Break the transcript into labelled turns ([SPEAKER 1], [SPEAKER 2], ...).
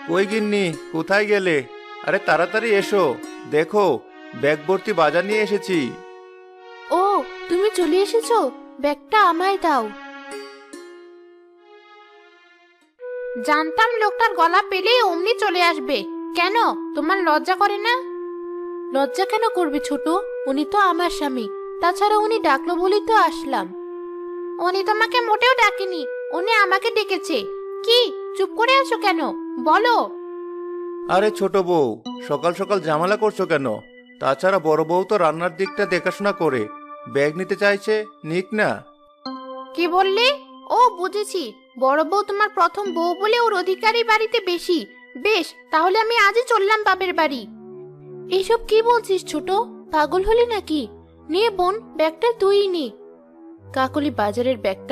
[SPEAKER 1] কই গিন্নি, কোথায় গেলে? আরে তাড়াতাড়ি এসো, দেখো ব্যাগ ভর্তি বাজার নিয়ে এসেছি।
[SPEAKER 2] ও, তুমি চলে এসেছো। ব্যাগটা আমায় দাও। জানতাম লোকটার গলা পেলেই অমনি চলে আসবে। কেন, তোমার লজ্জা করে না? লজ্জা কেন করবে ছোট? উনি তো আমার স্বামী। তাছাড়া উনি ডাকলো বলেই তো আসলাম। উনি তোমাকে মোটেও ডাকেনি, উনি আমাকে ডেকেছে। কি, চুপ করে আছো কেন? বলো।
[SPEAKER 1] আরে ছোট বউ, সকাল সকাল ঝামেলা করছো কেন? তাছাড়া বড় বউ তো রান্নার দিকটা দেখাশোনা করে, ব্যাগ নিতে চাইছে, নিক না।
[SPEAKER 2] কি বললে? ও, বুঝেছি। বড় বউ তোমার প্রথম বউ বলে ওর অধিকারী বাড়িতে বেশি। বেশ, তাহলে আমি আজই চললাম বাপের বাড়ি। এসব কি বলছিস ছোট? পাগল হলি নাকি? নে বোন, ব্যাগটা তুই নে। কাকলি বাজারের ব্যাগটা